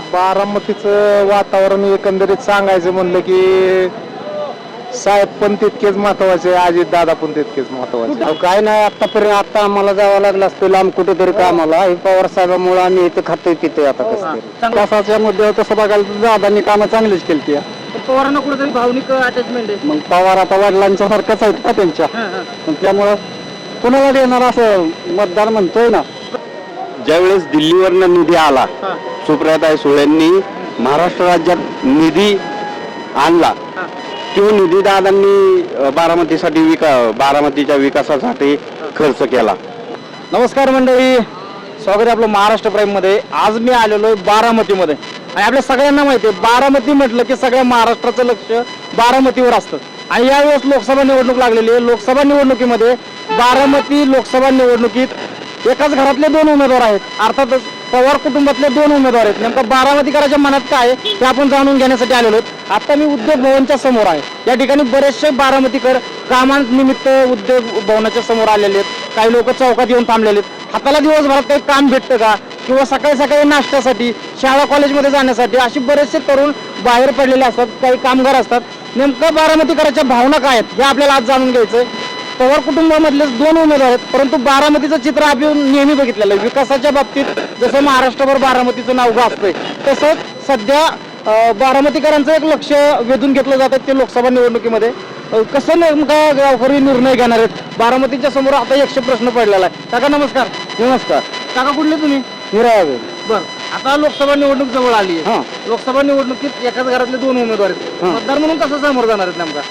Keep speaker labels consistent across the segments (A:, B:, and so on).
A: बारामतीचं वातावरण एकंदरीत सांगायचं म्हणलं की साहेब पण तितकेच महत्वाचे, अजित दादा पण तितकेच महत्वाचे.
B: काय नाही आतापर्यंत आता आम्हाला जावं लागलं असतं लांब कुठेतरी कामाला. हे पवार साहेबांमुळे आम्ही इथे खातोय पितोय आता कसं तरी. कसाच्या मुद्द्यावर तसं बघायला तर दादांनी कामं चांगलीच केली ती.
C: पवारांना कुठेतरी भावनिक अटॅचमेंट आहे.
B: मग पवार आता वडिलांच्या सारखंच आहेत का त्यांच्या, त्यामुळं कुणाला देणार असं मतदार म्हणतोय ना.
D: ज्यावेळेस दिल्लीवरनं निधी आला, सुप्रियाताई सुळेंनी महाराष्ट्र राज्यात निधी आणला, तो निधी दादांनी बारामतीच्या विकासासाठी खर्च केला.
C: नमस्कार मंडळी, स्वागत आहे आपलं महाराष्ट्र प्राईम मध्ये. आज मी आलेलो आहे बारामतीमध्ये आणि आपल्या सगळ्यांना माहिती आहे बारामती म्हटलं की सगळ्या महाराष्ट्राचं लक्ष बारामतीवर असतं. आणि यावेळेस लोकसभा निवडणूक लागलेली आहे. लोकसभा निवडणुकीमध्ये बारामती लोकसभा निवडणुकीत एकाच घरातले दोन उमेदवार आहेत. अर्थातच पवार कुटुंबातले दोन उमेदवार आहेत. नेमका बारामतीकरांच्या मनात काय आहे ते आपण जाणून घेण्यासाठी आलेलो आहोत. आता मी उद्योग भवनच्या समोर आहे. या ठिकाणी बरेचसे बारामतीकर कामानिमित्त उद्योग भवनाच्या समोर आलेले आहेत. काही लोक चौकात येऊन थांबलेले आहेत. हाताला दिवसभरात काही काम भेटतं का, किंवा सकाळी सकाळी नाश्त्यासाठी, शाळा कॉलेजमध्ये जाण्यासाठी अशी बरेचसे तरुण बाहेर पडलेले असतात. काही कामगार असतात. नेमकं बारामतीकरांच्या भावना काय आहेत हे आपल्याला आज जाणून घ्यायचंय. पवार कुटुंबामधले दोन उमेदवार आहेत, परंतु बारामतीचं चित्र आपण नेहमी बघितलेलं आहे. विकासाच्या बाबतीत जसं महाराष्ट्रभर बारामतीचं नाव गाजतंय, तसंच सध्या बारामतीकरांचं एक लक्ष वेधून घेतलं जात आहे ते लोकसभा निवडणुकीमध्ये. कसं नेमका गावकरी निर्णय घेणार आहेत, बारामतीच्या समोर आता 100 प्रश्न पडलेला आहे. काका नमस्कार.
B: नमस्कार.
C: काका कुठले तुम्ही?
B: हिरावे.
C: बरं, आता लोकसभा निवडणूक जवळ आली आहे. लोकसभा निवडणुकीत एकाच घरातले दोन उमेदवार आहेत. मतदार म्हणून कसं समोर जाणार आहेत नेमका?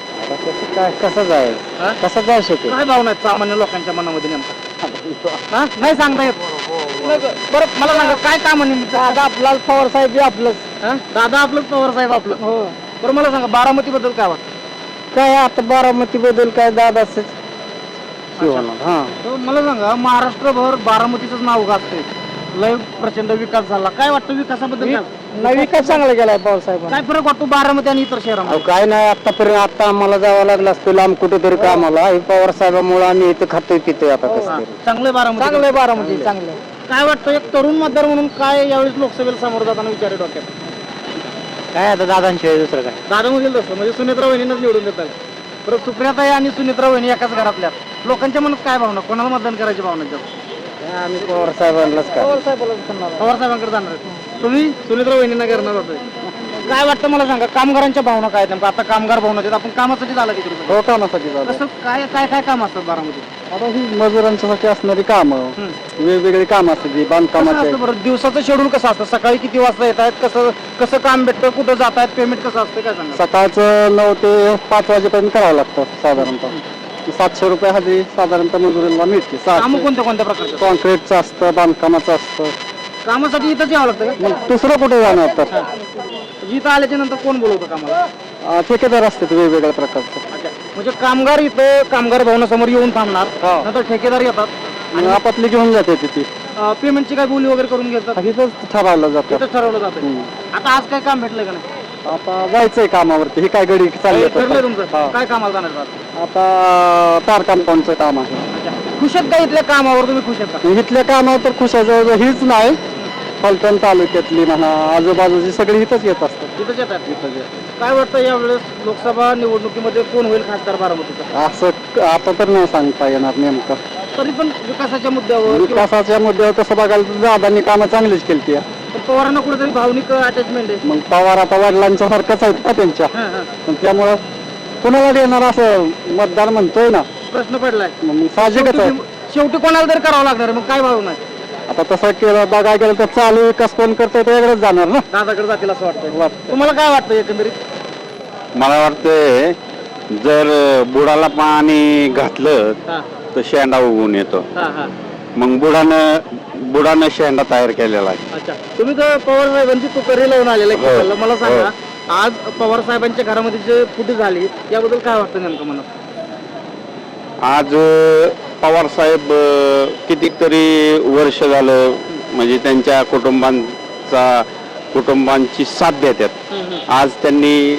B: काय कसं जाईल, कसं जाऊ शकेल?
C: काय भावना आहेत सामान्य लोकांच्या मनामध्ये नेमका? नाही सांगता येत. बरं मला सांगा काय काम
B: दादा आपला पवार साहेब बी आपलंच.
C: दादा आपलं पवार साहेब आपलं.
B: हो.
C: बरं मला सांगा बारामती बद्दल काय वाटतं?
B: काय आता बारामती बद्दल काय दादाच
C: मला सांगा महाराष्ट्रभर बारामतीचंच नाव गाजतंय. लय प्रचंड विकास झाला. काय वाटतं विकासाबद्दल?
B: विकास चांगला केलाय पवार साहेब.
C: काय फरक वाटतो बारामती आणि इतर शहरामध्ये?
B: काय नाही आतापर्यंत आता आम्हाला जावं लागलं असतं लांब कुठेतरी कामाला. हे पवार साहेबांमुळे आम्ही इथे खातोय पितोय आता कसं तरी.
C: चांगलं बारामती.
B: चांगलंय बारामती चांगलं.
C: काय वाटतं एक तरुण मतदार म्हणून काय यावेळेस लोकसभेला समोर जाताना विचार आहे डोक्यात?
B: काय आता दादांशिवाय दुसरं काय.
C: दादा म्हणेल तसं म्हणजे सुनेत्रा वहिनींनाच निवडून देतात. बरं सुप्रियाताई आणि सुनेत्रा वहिनी एकाच घरातल्या, लोकांच्या मनात काय भावना, कोणाला मतदान करायची भावना जास्त?
B: आम्ही पवार साहेबांनाच काय.
C: पवार साहेबांकडे जाणार आहे. तुम्ही सुनेत्रा वहिनींना करणार होते. काय वाटतं मला सांगा कामगारांच्या भावना काय आहेत? आता कामगार भावना आहेत. आपण कामासाठी झाला तिकडे.
B: हो कामासाठी
C: कसं काय काय काय काम असतात बारामतीत?
B: आता ही मजुरांच्यासाठी असणारी कामं, वेगवेगळी कामं असतात बांधकामाचे.
C: बरं दिवसाचं शेड्यूल कसं असतं? सकाळी किती वाजता येत आहेत, कसं कसं काम भेटतं, कुठं जात आहेत, पेमेंट कसं असतं काय सांगा?
B: सकाळचं 9 ते 5 वाजेपर्यंत करावं लागतं साधारणतः. 700 रुपये हजेरी साधारणतः मजुरीला मिळते.
C: कामं कोणत्या कोणत्या प्रकारचं?
B: कॉन्क्रीटचं असतं, बांधकामाचं असतं.
C: कामासाठी इथंच यावं लागतं का?
B: मग दुसरं कुठे जाणार तर
C: इथं आल्याच्या नंतर कोण बोलवतं कामाला?
B: ठेकेदार असतात वेगवेगळ्या प्रकारचे.
C: अच्छा, म्हणजे कामगार इथं कामगार भवनासमोर येऊन थांबणार, नंतर ठेकेदार येतात
B: आणि आपापली घेऊन जाते तिथे.
C: पेमेंटची काय बोली वगैरे करून घेतात?
B: इथंच ठरवलं जातं.
C: इथंच ठरवलं जातं. आता आज काय काम भेटलंय का नाही?
B: आता जायचंय कामावरती. ही काय गडी चालली
C: ठरलंय तुमचं? काय कामाला जाणार आहात?
B: आता तार कंपाऊंडचं काम आहे.
C: अच्छा, खुश आहेत का इथल्या कामावर? तुम्ही खुश आहेत का?
B: इथल्या कामावर तर खुश आहे. हीच नाही, फलटण तालुक्यातली म्हणा आजूबाजूची सगळी इथंच येत असतात.
C: इथंच येतात. काय वाटतं यावेळेस लोकसभा निवडणुकीमध्ये कोण होईल खासदार बारामतीचा?
B: असं आता तर नाही सांगता येणार नेमकं.
C: तरी पण विकासाच्या मुद्द्यावर
B: विकासाच्या मुद्द्यावर तसं बघायला तर दादांनी कामं चांगलीच केली ती.
C: पवारांना कुठेतरी भावनिक अटॅचमेंट आहे.
B: मग पवार आता वडिलांच्या सारखंच आहेत का त्यांच्या, त्यामुळं कुणाला देणार असं मतदार म्हणतोय ना.
C: प्रश्न पडलाय.
B: मग साहजिकच आहे.
C: शेवटी कोणाला तरी करावं लागणार आहे. मग काय भावना आहे?
B: आता तसं केलं बघायला गेलं तर चालू विकास कोण करतोय ते वेगळंच जाणार ना.
C: दादाकडे जातील असं वाटतं. तुम्हाला काय वाटतं एकंदरीत?
D: मला वाटतंय जर बुडाला पाणी घातलं तर शेंडा उगवून येतो. मग बुडानं शेंडा तयार केलेला आहे.
C: अच्छा, तुम्ही तर पवार साहेबांची तुकरी लावून आलेला आहे. मला सांगा आज पवार साहेबांच्या घरामध्ये जे फुटी झाली याबद्दल काय वाटतं नेमकं मनात?
D: आज पवार साहेब कितीतरी वर्ष झालं म्हणजे त्यांच्या कुटुंबांची साथ देतात. आज त्यांनी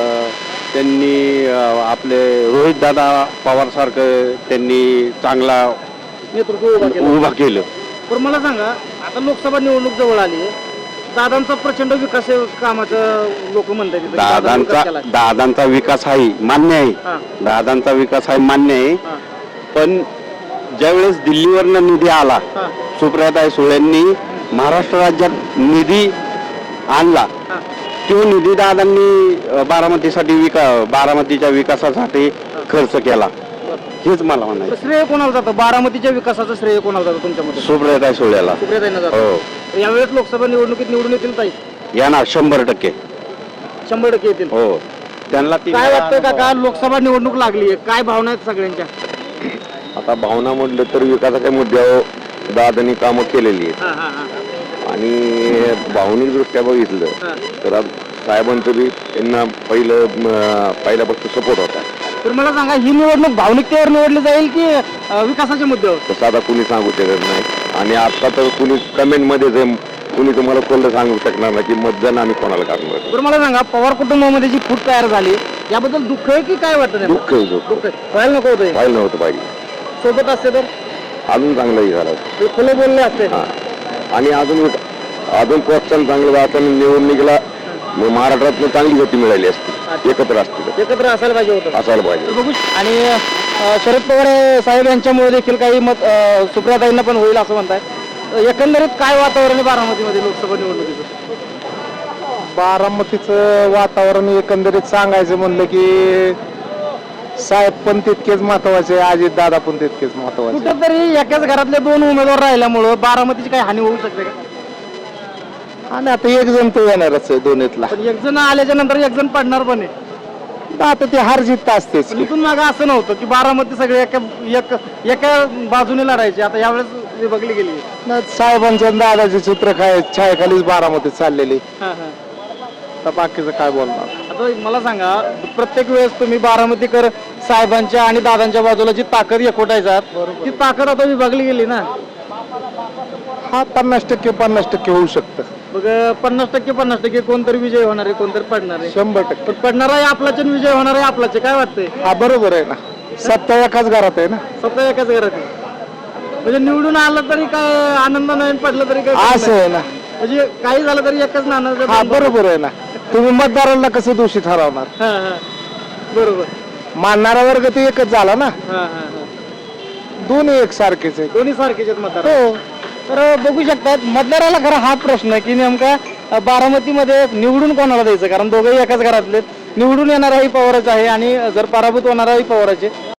D: आपले रोहित दादा पवार सारखं त्यांनी चांगला
C: नेतृत्व
D: उभा केलं.
C: पण मला सांगा आता लोकसभा निवडणूक जवळ आली आहे. दादांचा प्रचंड विकास आहे कामाचं लोक म्हणतात इथं. दादांनी विकास केलाय.
D: दादांचा विकास आहे मान्य
C: हा.
D: आहे, दादांचा विकास आहे मान्य आहे.
C: हा.
D: पण ज्यावेळेस दिल्लीवरनं निधी आला,
C: हा.
D: सुप्रियाताई सुळेंनी महाराष्ट्र राज्यात निधी आणला,
C: हा.
D: तो निधी दादांनी बारामतीच्या विकासासाठी खर्च केला, हेच मला म्हणायचं.
C: श्रेय कोणाला जातं? बारामतीच्या विकासाचं श्रेय कोणाला जातं तुमच्या मते?
D: सुप्रियाताई सुळेला
C: सुप्रियाताईंना जातं.
D: हो
C: यावेळेस लोकसभा निवडणुकीत निवडून येतील ताई?
D: येणार 100%.
C: 100% येतील.
D: हो त्यांना ती
C: काय वाटतंय काका, लोकसभा निवडणूक लागली आहे, काय भावना आहेत सगळ्यांच्या?
E: आता भावना म्हटलं तर विकासाच्या मुद्द्यावर दादांनी कामं केलेली आहेत
C: हा, हा, हा.
E: आणि भावनिकदृष्ट्या बघितलं
C: हा.
E: तर आज साहेबांचं बी त्यांना पहिल्यापासून सपोर्ट होता.
C: तर मला सांगा, ही निवडणूक भावनिकतेवर निवडली जाईल की विकासाच्या मुद्द्यावर?
E: तसं आता कुणी सांगू शकत नाही आणि आता तर कुणी कमेंटमध्ये जे कुणी तुम्हाला खोललं सांगू शकणार नाही की मतदान आम्ही कोणाला करणार.
C: तर मला सांगा, पवार कुटुंबामध्ये जी फूट तयार झाली याबद्दल दुःख आहे की काय वाटत?
E: दुःख आहे, दुःख
C: दुःख आहे. व्हायला नको होतं हे.
E: व्हायला नव्हतं पाहिजे,
C: सोबत असते तर
E: अजून चांगलंही झालं
C: ते खुले बोलले असते.
E: हा. आणि अजून प्रोत्साहन चांगलं जाताना निवडणुकीला महाराष्ट्रातनं चांगली गती मिळाली असती, एकत्र असतील
C: एकत्र असायला पाहिजे होतं.
E: असायला पाहिजे.
C: बघू. आणि शरद पवार साहेब यांच्यामुळे देखील काही मत सुप्रियाताईंना पण होईल असं म्हणताय. एकंदरीत काय वातावरण आहे बारामतीमध्ये लोकसभा निवडणुकीचं?
A: बारामतीचं वातावरण एकंदरीत सांगायचं म्हणलं की साहेब पण तितकेच महत्वाचे, अजित दादा पण तितकेच महत्वाचे.
C: कुठेतरी एकाच घरातले दोन उमेदवार राहिल्यामुळं बारामतीची काही हानी होऊ शकते का?
A: आणि आता एक जण तो येणारच आहे दोन्हीतला.
C: पण एक जण आल्याच्या नंतर एक जण पडणार पण आहे.
A: आता ते हार जीत असतेच
C: पण
A: की.
C: इथून मागं असं नव्हतं की बारामती सगळे एका बाजूने लढायचे, आता यावेळेस विभागली गेली.
A: साहेबांचं आणि दादाचे चित्र काय छायाखालीच बारामतीत चाललेली. तर बाकीचं काय बोलणार.
C: आता मला सांगा, प्रत्येक वेळेस तुम्ही बारामतीकर साहेबांच्या आणि दादांच्या बाजूला जी ताकद एकवटायचा ती ताकद आता विभागली गेली ना.
A: हा 50% होऊ शकतं.
C: मग 50% कोणतरी विजय होणार आहे, कोणतरी पडणार आहे.
A: 100%.
C: पण पडणार आहे आपलाच आणि विजय होणार आहे आपलाच. काय वाटतंय?
A: हा बरोबर आहे ना, सत्ता एकाच घरात आहे ना.
C: स्वतः एकाच घरात आहे. म्हणजे निवडून आलं तरी काय आनंद नाही, पडलं तरी काय
A: असं आहे ना.
C: म्हणजे काही झालं तरी एकच नाणार.
A: हा बरोबर आहे ना. तुम्ही मतदारांना कसं दोषी ठरवणार?
C: बरोबर.
A: मानणारा वर्ग ते एकच झाला ना. दोन्ही एकसारखेच आहे.
C: दोन्ही सारखेच आहेत मतदार.
A: हो.
C: तर बघू शकतात मतदाराला खरा हा प्रश्न की नेमका बारामतीमध्ये निवडून कोणाला द्यायचं, कारण दोघंही एकाच घरातले. निवडून येणाराही पवारच आहे आणि जर पराभूत होणाराही पवारच आहे.